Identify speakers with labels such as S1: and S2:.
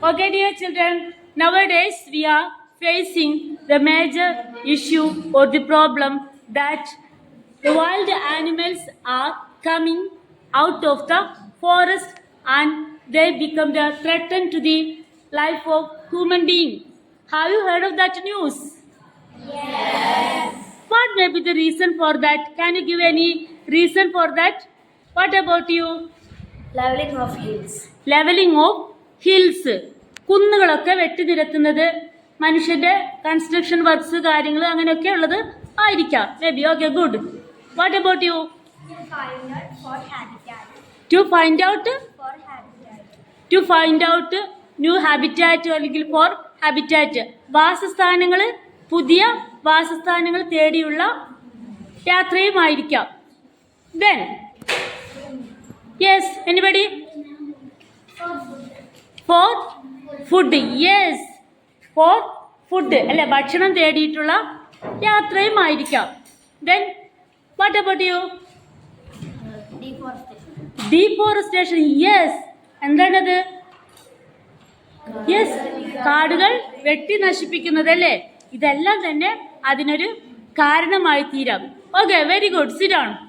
S1: Okay, dear children, nowadays we are facing the major issue or the problem that the wild animals are coming out of the forest and they become the threat to the life of human being. Have you heard of that news?
S2: Yes.
S1: What may be the reason for that? Can you give any reason for that? What about you?
S2: Leveling of hills.
S1: Levelling of hills, കുന്നുകളൊക്കെ വെട്ടിനിരത്തുന്നത് മനുഷ്യന്റെ construction works കാര്യങ്ങൾ അങ്ങനെയൊക്കെ ഉള്ളത് ആയിരിക്കാം. Maybe. Okay, good. What about you? To find out new habitat അല്ലെങ്കിൽ for habitat, വാസസ്ഥാനങ്ങൾ, പുതിയ വാസസ്ഥാനങ്ങൾ തേടിയുള്ള യാത്രയുമായിരിക്കാം. Then yes, anybody? For food. Yes, for food അല്ലെ, ഭക്ഷണം തേടിയിട്ടുള്ള യാത്രയുമായിരിക്കാം. Then what about you? Deforestation. Yes, എന്താണത്? യെസ്, കാടുകൾ വെട്ടി നശിപ്പിക്കുന്നത് അല്ലേ. ഇതെല്ലാം തന്നെ അതിനൊരു കാരണമായി തീരാം. Okay, very good. Sit down.